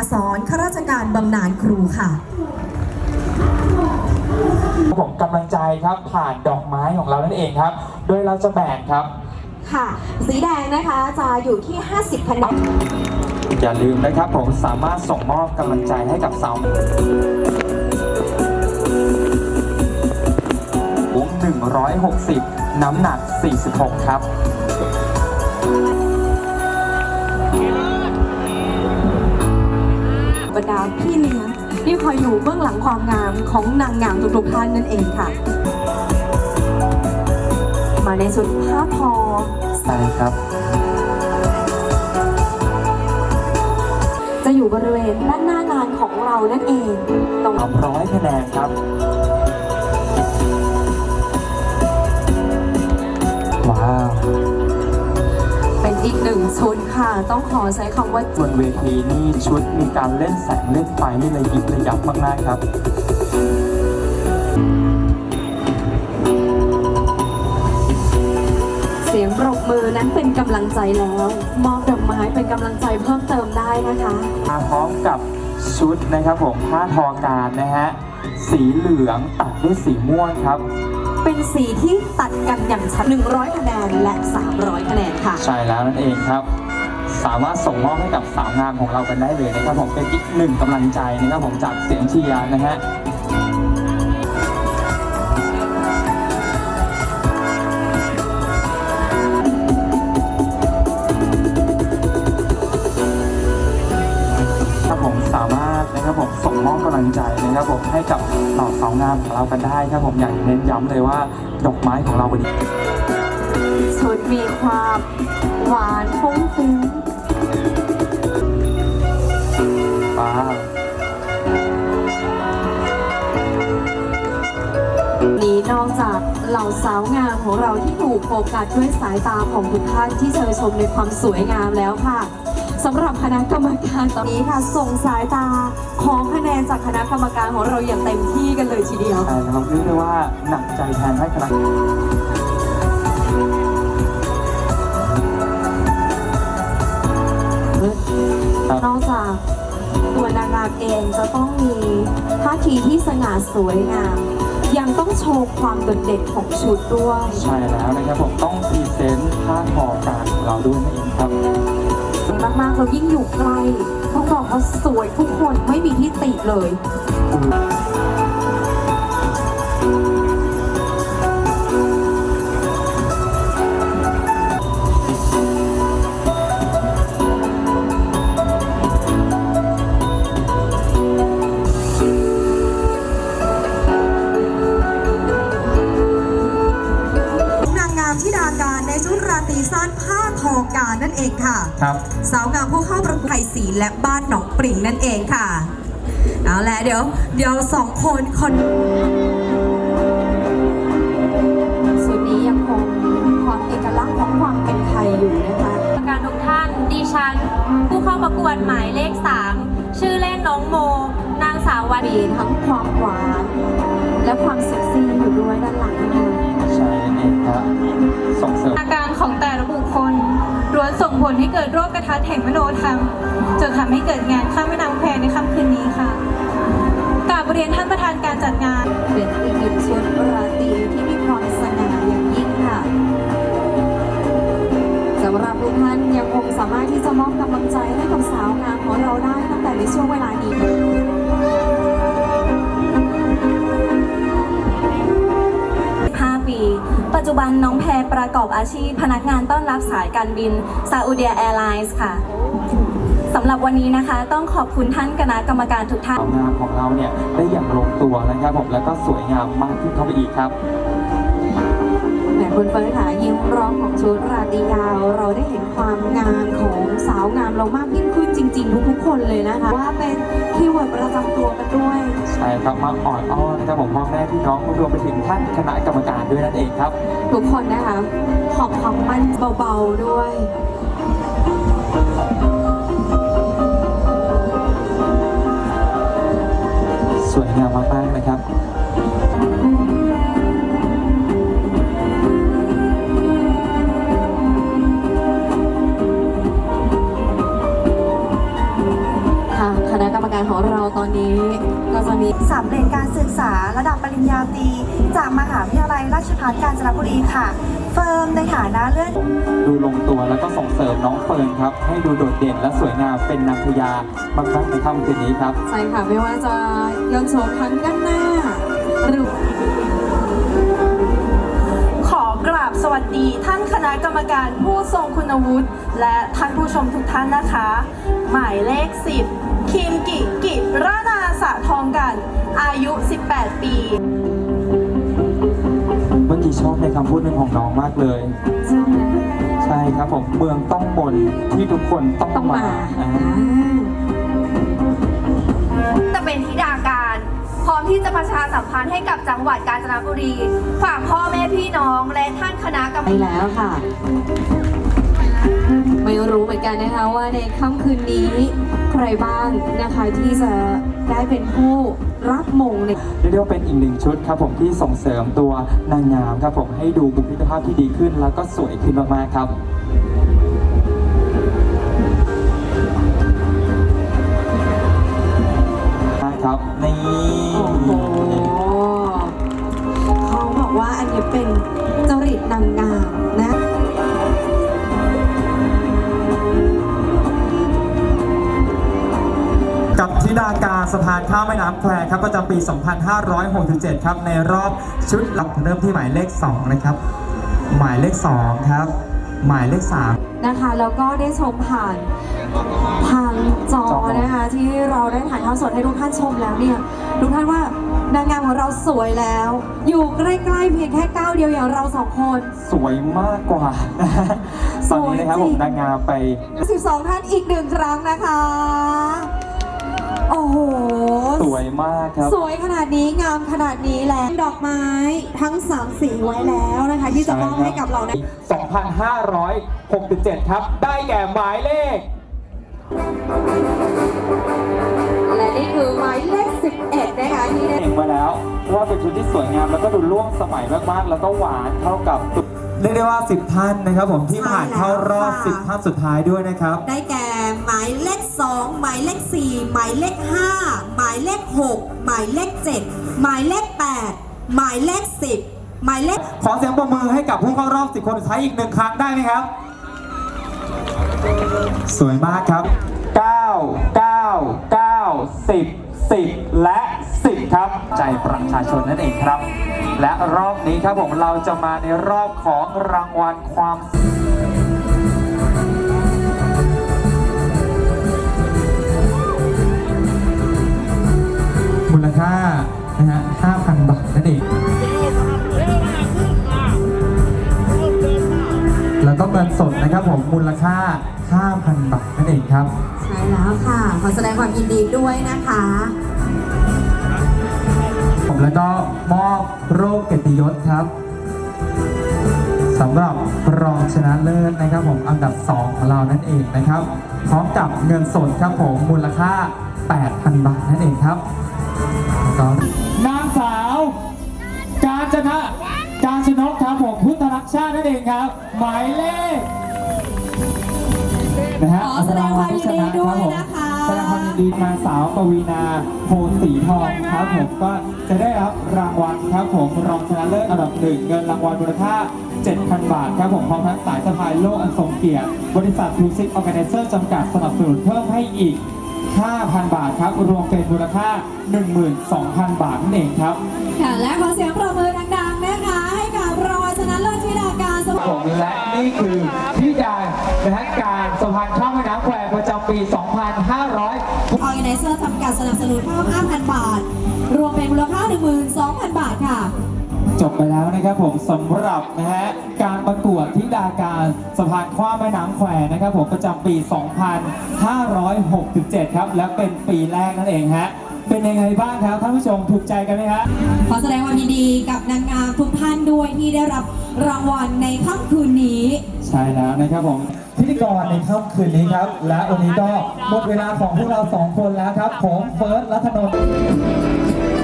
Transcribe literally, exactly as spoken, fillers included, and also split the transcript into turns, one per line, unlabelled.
สรข้าราชการบำนาญครูค่ะ
ผมกำลังใจครับผ่านดอกไม้ของเรานั่นเองครับโดยเราจะแบ่งครับ
ค่ะสีแดงนะคะจะอยู่ที่ห้าสิบคะแนน
อย่าลืมนะครับผมสามารถส่งมอบกำลังใจให้กับสาวสูงหนึ่งร้อยหกสิบน้ำหนักสี่สิบหกครับ
บรรดาพี่เลี้ยงที่คอยอยู่เบื้องหลังความงามของนางงามทุกๆท่านนั่นเองค่ะมาในชุดผ้าทอ
ใช่ครับ
จะอยู่บริเวณด้านหน้างานของเรานั่นเองตรง
ร้อยคะแนนครับว้าว
เป็นอีกหนึ่งชุดค่ะต้องขอใช้คำว่า
บนเวทีนี่ชุดมีการเล่นแสงเล่นไฟนี่เลยยิบระยับมากๆครับ
เสียงปรบมือนั้นเป็นกำลังใจแล้วมอบดอกไม้เป็นกำลังใจเพิ่มเติมได้นะคะ
มาพร้อมกับชุดนะครับผมผ้าทอการนะฮะสีเหลืองตัดด้วยสีม่วงครับ
เป็นสีที่ตัดกันอย่างชัดหนึ่งร้อยคะแนนและสามร้อยคะแนนค่ะ
ใช่แล้วนั่นเองครับสามารถส่งมอบให้กับสาวงามของเรากันได้เลยนะครับผมเป็นอีกหนึ่งกำลังใจนะครับผมจากเสียงเชียร์นะฮะสามารถนะครับผมส่งมอบกำลังใจนะครับผมให้กับเหล่าสาวงามของเรากันได้ครับผมอยากเน้นย้ำเลยว่าดอกไม้ของเราวันนี้
ชุดมีความหวานฟุ้งฟิ้ง
ป้า
นี้นอกจากเหล่าสาวงามของเราที่ถูกโฟกัสด้วยสายตาของทุกท่านที่เชยชมในความสวยงามแล้วค่ะสำหรับคณะกรรมการตอนนี้ค่ะส่งสายตาของคะแนนจากคณะกรรมการของเราอย่างเต็มที่กันเลยทีเดียว
ใช่ครับเรียกได้ว่าหนักใจแทนให้คณะ
นอกจากตัวนางงามเองจะต้องมีท่าทีที่สง่าสวยงามยังต้องโชว์ความโดดเด่นของชุดด้วย
ใช่แล้วนะครับผมต้องพรีเซนต์ผ้าทอการของเราด้วยนั่นเองครับ
มากๆเรายิ่งอยู่ใกล้ต้องบอกว่าสวยทุกคนไม่มีที่ติเลยที่ดาการในชุดราตรีสั้นผ้าทอการนั่นเองค่ะ
ครับ
สาวงามผู้เข้าประกวดไทยศรีและบ้านหนองปริ่งนั่นเองค่ะเอาละเดี๋ยวเดี๋ยวสองคนคนสุดนี้ยังคงความเอกลักษณ์ของความเป็นไทยอยู่นะคะ
การทุกท่านดิฉันผู้เข้าประกวดหมายเลขสามชื่อเล่นน้องโมนางสาววา
มีทั้งความหวานและความเซ็กซี่อยู่ด้วยด้านหลังนะคะ
ใช่เองครับส่งเสริม
อาการของแต่ละบุคคลล้วนส่งผลให้เกิดโรคกระทัดแห่งมโนธรรมจนทำให้เกิดงานข้ามแม่น้ำแควในค่ำคืนนี้ค่ะกราบเรียนท่านประธานการจัดงาน
เป็นอีกหนึ่งชุดราตรีที่มีความสง่าอย่างยิ่งค่ะสำหรับทุกท่านยังคงสามารถที่จะมอบกำลังใจให้กับสาวงามของเราได้ตั้งแต่ในช่วงเวลานี้
ปัจจุบันน้องแพรประกอบอาชีพพนักงานต้อนรับสายการบินซาอุดิอาแอร์ไลน์ค่ะสำหรับวันนี้นะคะต้องขอบคุณท่านคณะกรรมการทุกท่าน
งานของเราเนี่ยได้อย่างลงตัวนะครับผมแล้วก็สวยงามมากขึ้นเข้าไปอีกครับ
แหมคุณเฟิร์สค่ะยิ้มร้องของชุดราตรียาวเราได้เห็นความงามของสาวงามเรามากยิ่งขึ้นจริงๆทุกๆคนเลยนะคะว่าเป็นคีย์เวิร์ดประจำตัวกันด้วย
ใช่ครับมาอ่อนอ้อนนะครับผมพ่อแม่พี่น้องรวมไปถึงท่านคณะกรรมการด้วยนั่นเองครับ
ทุกคนนะคะขอบความมั่นเบาๆด้วย
สวยงามมากๆนะครับ
ค่ะคณะกรรมการของเราตอนนี้ก็จะมี
สำเร็จการศึกษาระดับปริญญาตรีจากมหาวิทยาลัยราชภัฏกาญจนบุรีค่ะ เฟิร์มในฐานะเลื่อน
ดูลงตัวแล้วก็ส่งเสริมน้องเฟิร์นครับให้ดูโดดเด่นและสวยงามเป็นนางพญามากๆในค่ำคืนนี้ครับ
ใช่ค่ะไม่ว่าจะยนต์โฉมทั้งด้านหน้าหรือ
ขอกราบสวัสดีท่านคณะกรรมการผู้ทรงคุณวุฒิและท่านผู้ชมทุกท่านนะคะ หมายเลขสิบคิมกิกิรานาสะทองกัน อายุ สิบแปด ปี
เมื่อกี้ชอบในคำพูดหนึ่งของน้องมากเลย ใช่ครับผมเมืองต้องมนที่ทุกคนต้อง
ต้อง
มา
มา
อ่า
จะเป็นธิดาการ พร้อมที่จะประชาสัมพันธ์ให้กับจังหวัดกาญจนบุรี ฝากพ่อแม่พี่น้องและท่านคณะกรรม
ไปแล้วค่ะ ไม่รู้เหมือนกันนะคะว่าในค่ำคืนนี้ใครบ้างนะคะที่จะได้เป็นผู้รับมงใน
เรียกได้ว่าเป็นอีกหนึ่งชุดครับผมที่ส่งเสริมตัวนางงามครับผมให้ดูบุคลิกภาพที่ดีขึ้นแล้วก็สวยขึ้นมากๆครับ ครับนี่
โอ้โหเขาบอกว่าอันนี้เป็นจริตนางงามนะ
กับธิดาการสะพานข้ามแม่น้ำแควครับประจำปี สองพันห้าร้อยหกสิบเจ็ด ครับในรอบชุดเราเริ่มที่หมายเลขสองนะครับหมายเลขสองครับหมายเลขสาม
นะคะแล้วก็ได้ชมผ่านทางจอนะคะที่เราได้ถ่ายทอดสดให้ทุกท่านชมแล้วเนี่ยทุกท่านว่านางงามของเราสวยแล้ว อยู่ใกล้ๆเพียงแค่ก้าวเดียวอย่างเราสองคน
สวยมากกว่าตอนนี้นะครับผมนางงามไป
สิบสอง ท่านอีกหนึ่งครั้งนะคะ โอ้โห
สวยมากครับ
สวยขนาดนี้งามขนาดนี้แล้วดอกไม้ทั้งสามสีไว้แล้วนะคะที่จะมอบให้กับเรานะ
สองพันห้าร้อยหกสิบเจ็ด ครับ ได้แก่หมายเลข
และนี่คือหมายเลขสิบเอ็ดนะคะที่ได้
เองมาแล้วเพราะว่าเป็นชุดที่สวยงามแล้วก็ดูร่วมสมัยมากๆแล้วก็หวานเข้ากับ
เรียกได้ว่า สิบ ท่านนะครับผมที่ผ่านเข้ารอบ สิบ ท่านสุดท้ายด้วยนะครับ
ได้แก่หมายเลขสองหมายเลขสี่หมายเลขห้าหมายเลขหกหมายเลขเจ็ดหมายเลขแปดหมายเลขสิบหมายเลข
ขอเสียงปรบมือให้กับผู้เข้ารอบ สิบ คนสุดท้ายอีกหนึ่งครั้งได้ไหมครับ สวยมากครับ
เก้า เก้า เก้า สิบ สิบ และสิบครับ ใจประชาชนนั่นเองครับ และรอบนี้ครับผมเราจะมาในรอบของรางวัลความ
มูลค่านะฮะ ห้าพัน บาทนั่นเอง แล้วก็เงินสดนะครับผมมูลค่า ห้าพัน บาทนั่นเองครับ
ใช่แล้วค่ะ ขอแสดงความยินดีด้วยนะคะ
ผมแล้วก็มอบโรคเกียรติยศครับสำหรับรองชนะเลิศนะครับผมอันดับสองของเรานั่นเองนะครับพร้อมกับเงินสดครับผมมูลค่า แปดพัน บาทนั่นเองครับแล้วก็
นางสาวกาญจนะกาญจนกครับผมพุทธรักชาตินั่นเองครับ หมายเลขนะฮะ
ขอแสดงความยินดีด้วยนะคะ
แสดงความยินดีนางสาวปวีนาโพสีทองครับผมก็จะได้รับรางวัลครับผมรองชนะเลิศอันดับหนึ่งเงินรางวัลมูลค่า เจ็ดพัน บาทครับผมพร้อมทั้งสายสะพายโลกอันทรงเกียรติบริษัททูซิกออร์แกไนเซอร์จำกัดสนับสนุนเพิ่มให้อีก ห้าพัน บาทครับรวมเป็นมูลค่า หนึ่งหมื่นสองพัน บาทนั่นเองครับ
ค่ะและขอเสียงปรบมือดังๆนะคะให้กับรางวัลชนะเลิศธิดาการส
ผมและนี่คือพี่ดานะฮะการสะพานข้ามแม่น้ำแควประจำปี สองพันห้าร้อย
ออร์แกไนเซอร์จำกัดสนับสนุนเพิ่ม ห้าพัน บาท รวมเป็นมูลค่า หนึ่งหมื่นสองพัน บาทค่ะ
จบไปแล้วนะครับผมสำหรับนะฮะการประกวดธิดาการสะพานข้ามแม่น้ำแควนะครับผมประจำปี สองพันห้าร้อยหกสิบเจ็ด ครับและเป็นปีแรกนั่นเองฮะเป็นยังไงบ้างครับท่านผู้ชมถูกใจกันไหมฮะ
ขอแสดงความยินดีกับนางงามทุกท่านด้วยที่ได้รับรางวัลในค่ำคืนนี้
ใช่แล้วนะครับผม
พิธีกรในค่ำคืนนี้ครับ และวันนี้ก็หมดเวลาของพวกเราสองคนแล้วครับผมเฟิร์สรัตนนท์